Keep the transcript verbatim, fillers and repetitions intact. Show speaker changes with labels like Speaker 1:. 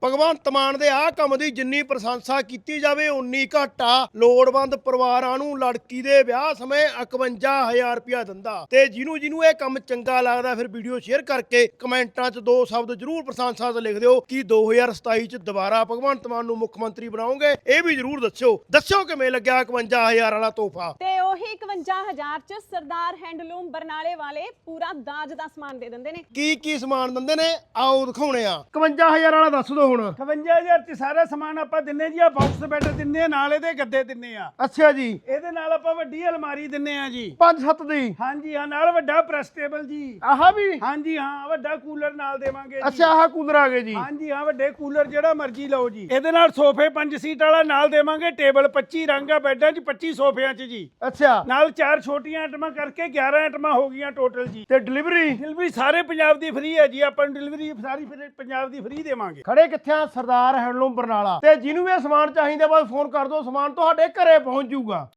Speaker 1: ਭਗਵੰਤ ਮਾਨ ਦੇ ਆਹ ਕੰਮ ਦੀ ਜਿੰਨੀ ਪ੍ਰਸ਼ੰਸਾ ਕੀਤੀ ਜਾਵੇ ਉਨੀ ਘੱਟ ਆ। ਲੋੜਵੰਦ ਪਰਿਵਾਰਾਂ ਨੂੰ ਲੜਕੀ ਦੇ ਵਿਆਹ ਸਮੇਂ ਇਕਵੰਜਾ ਹਜ਼ਾਰ ਰੁਪਇਆ ਦਿੰਦਾ। ਤੇ ਜਿਹਨੂੰ ਜਿਹਨੂੰ ਇਹ ਕੰਮ ਚੰਗਾ ਲੱਗਦਾ ਫਿਰ ਵੀਡੀਓ ਸ਼ੇਅਰ ਕਰਕੇ ਕਮੈਂਟਾਂ 'ਚ ਦੋ ਸ਼ਬਦ ਜ਼ਰੂਰ ਪ੍ਰਸ਼ੰਸਾ 'ਚ ਲਿਖ ਦਿਓ ਕਿ ਦੋ ਹਜ਼ਾਰ ਸਤਾਈ 'ਚ ਦੁਬਾਰਾ ਭਗਵੰਤ ਮਾਨ ਨੂੰ ਮੁੱਖ ਮੰਤਰੀ ਬਣਾਓਗੇ। ਇਹ ਵੀ ਜ਼ਰੂਰ ਦੱਸਿਓ ਦੱਸਿਓ ਕਿਵੇਂ ਲੱਗਿਆ ਇਕਵੰਜਾ ਹਜ਼ਾਰ ਵਾਲਾ ਤੋਹਫਾ।
Speaker 2: ਤੇ ਉਹੀ ਇਕਵੰਜਾ ਹਜ਼ਾਰ 'ਚ ਸਰਦਾਰ ਹੈਂਡਲੂਮ ਬਰਨਾਲੇ ਵਾਲੇ ਪੂਰਾ ਦਾਜ ਦਾ ਸਮਾਨ ਦੇ ਦਿੰਦੇ ਨੇ।
Speaker 1: ਕੀ ਕੀ ਸਮਾਨ ਦਿੰਦੇ ਨੇ ਆਓ ਦਿਖਾਉਣੇ ਆ। ਇਕਵੰਜਾ ਹਜ਼ਾਰ ਵਾਲਾ ਦੱਸ ਦਿਓ ਹੁਣ।
Speaker 3: ਇਕਵੰਜਾ ਹਜ਼ਾਰ ਚ ਸਾਰਾ ਸਮਾਨ ਆਪਾਂ ਦਿੰਨੇ ਜੀ। ਆ ਬਾਕਸ ਬੈੱਡ ਦਿੰਨੇ ਆ, ਨਾਲ ਇਹਦੇ ਗੱਦੇ ਦਿੰਨੇ ਆ।
Speaker 1: ਅੱਛਾ ਜੀ,
Speaker 3: ਇਹਦੇ ਨਾਲ ਆਪਾਂ ਵੱਡੀ ਅਲਮਾਰੀ ਦਿੰਨੇ ਆ ਜੀ,
Speaker 1: ਪੰਜ ਸੱਤ ਦੀ।
Speaker 3: ਹਾਂਜੀ ਹਾਂ, ਨਾਲ ਵੱਡਾ ਪ੍ਰੈਸ ਟੇਬਲ ਜੀ।
Speaker 1: ਆਹ ਵੀ,
Speaker 3: ਹਾਂਜੀ ਹਾਂ, ਵੱਡਾ ਕੂਲਰ ਨਾਲ ਦੇਵਾਂਗੇ ਜੀ।
Speaker 1: ਅੱਛਾ ਆਹ ਕੂਲਰ ਆ ਗਏ ਜੀ।
Speaker 3: ਹਾਂਜੀ ਹਾਂ, ਵੱਡੇ ਕੂਲਰ ਜਿਹੜਾ ਮਰਜ਼ੀ ਲਓ ਜੀ। ਇਹਦੇ ਨਾਲ ਸੋਫੇ ਪੰਜ ਸੀਟ ਵਾਲਾ ਨਾਲ ਦੇਵਾਂਗੇ। ਟੇਬਲ ਪੱਚੀ ਰੰਗ ਆ ਬੈੱਡਾਂ 'ਚ, ਪੱਚੀ ਸੋਫਿਆਂ 'ਚ ਜੀ।
Speaker 1: ਅੱਛਾ,
Speaker 3: ਨਾਲ ਚਾਰ ਛੋਟੀਆਂ ਆਈਟਮਾਂ ਕਰਕੇ ਗਿਆਰਾਂ ਆਈਟਮਾਂ ਹੋ ਗਈਆਂ ਟੋਟਲ ਜੀ।
Speaker 1: ਤੇ ਡਿਲੀਵਰੀ
Speaker 3: ਡਿਲੀਵਰੀ ਸਾਰੇ ਪੰਜਾਬ ਦੀ ਫ੍ਰੀ ਹੈ ਜੀ। ਆਪਾਂ ਨੂੰ ਡਿਲੀਵਰੀ ਸਾਰੀ ਫਿਰ ਪੰਜਾਬ ਦੀ ਫ੍ਰੀ ਦੇਵਾਂਗੇ।
Speaker 1: ਖੜੇ ਕਿੱਥੇ ਆ? ਸਰਦਾਰ ਹੈਂਡਲੂਮ ਬਰਨਾਲਾ। ਤੇ ਜਿਹਨੂੰ ਵੀ ਇਹ ਸਮਾਨ ਚਾਹੀਦਾ ਬਸ ਫੋਨ ਕਰ ਦਿਓ, ਸਮਾਨ ਤੁਹਾਡੇ ਘਰੇ ਪਹੁੰਚ ਜਾਊਗਾ।